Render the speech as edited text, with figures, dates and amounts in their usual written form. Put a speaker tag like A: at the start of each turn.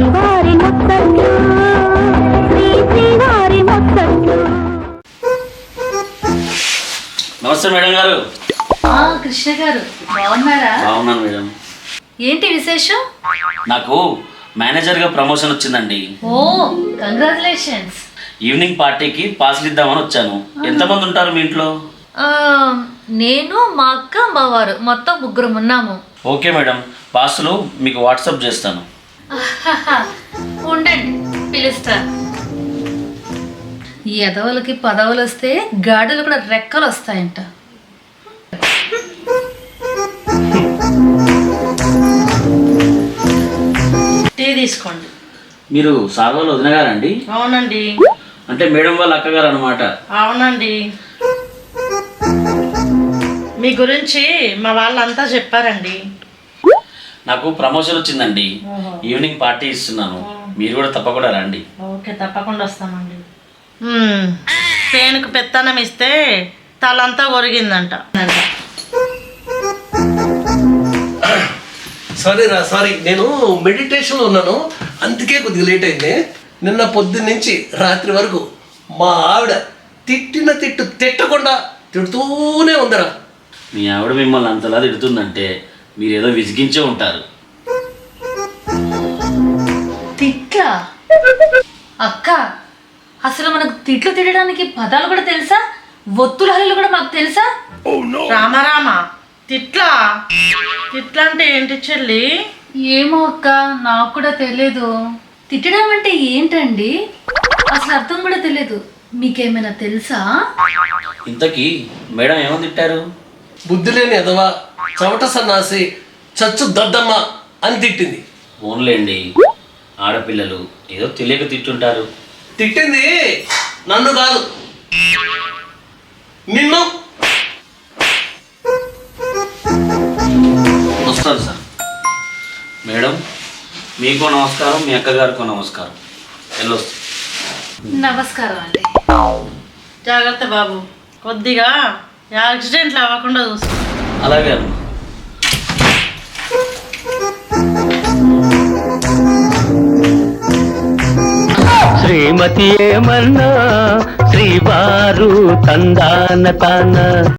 A: శ్రీవారి ముత్తట్లు శ్రీవారి ముత్తట్లు.
B: నమస్తే మేడం గారు.
C: కృష్ణ గారు బాగున్నారా?
B: బాగున్నాను మేడం.
C: ఏంటి విశేషం?
B: నాకు మేనేజర్గా ప్రమోషన్ వచ్చిందండి.
C: ఓ కంగ్రాచులేషన్స్.
B: ఈవినింగ్ పార్టీకి పాసులు ఇద్దామని వచ్చాను. ఎంతమంది ఉంటారు మీ ఇంట్లో?
C: నేను మా అక్క మా వారు మొత్తం 3 ఉన్నాము.
B: ఓకే మేడం, పాసులు మీకు వాట్సాప్ చేస్తాను.
C: ఉండండి పిలుస్తా. ఈ ఎదవలకి పదవులు వస్తే గాడులు కూడా రెక్కలు వస్తాయంట.
D: టీ తీసుకోండి.
B: మీరు సాగోలు వదిన గారండి?
D: అవునండి.
B: అంటే మేడం వాళ్ళ అక్కగారు అనమాట.
D: అవునండి. మీ గురించి మా వాళ్ళంతా చెప్పారండి.
B: నాకు ప్రమోషన్ వచ్చిందండి. ఈవినింగ్ పార్టీ ఇస్తున్నాను, మీరు కూడా తప్పకుండా రండి.
D: ఓకే, తప్పకుండా వస్తామండి. పేనుకు పెత్తనం ఇస్తే తలంతా ఒరిగిందంట.
E: సారీ నేను మెడిటేషన్లో ఉన్నాను, అందుకే కొద్దిగా లేట్ అయింది. నిన్న పొద్దున్న నుంచి రాత్రి వరకు మా ఆవిడ తిట్టకుండా తిడుతూనే ఉందరా.
B: మీ ఆవిడ మిమ్మల్ని అంతలా తిడుతుందంటే మీరేదో విసిగించే ఉంటారు.
C: తిట్లా? అక్క, అసలు మనకు తిట్లు తిట్టడానికి పదాలు కూడా తెలుసా? ఒత్తుల హల్లులు కూడా మాకు తెలుసా?
D: రామారామ, తిట్లా అంటే ఏంటి చెల్లి?
C: ఏమో అక్క, నాకు కూడా తెలియదు. తిట్టడం అంటే ఏంటండి? అసలు అర్థం కూడా తెలియదు. మీకేమైనా తెలుసా?
B: ఇంతకీ మేడం ఏమని తిట్టారు?
E: బుద్ధి లేని ఎదవా, చవట సన్నాసి, చచ్చు దద్దమ్మ అని తిట్టింది.
B: ఫోన్లేండి, ఆడపిల్లలు ఏదో తెలియక తిట్టుంటారు.
E: తిట్టింది నన్ను కాదు, నిన్ను.
B: వస్తాను సార్. మేడం మీకు నమస్కారం, మీ అక్కగారికి నమస్కారం. వెళ్ళొస్తా.
C: నమస్కారం అండి.
D: జాగ్రత్త బాబు, కొద్దిగా యాక్సిడెంట్లు అవ్వకుండా చూసుకో.
B: అలాగే అమ్మా.
F: శ్రీమతి ఏమన్నా శ్రీవారు తందాన తాన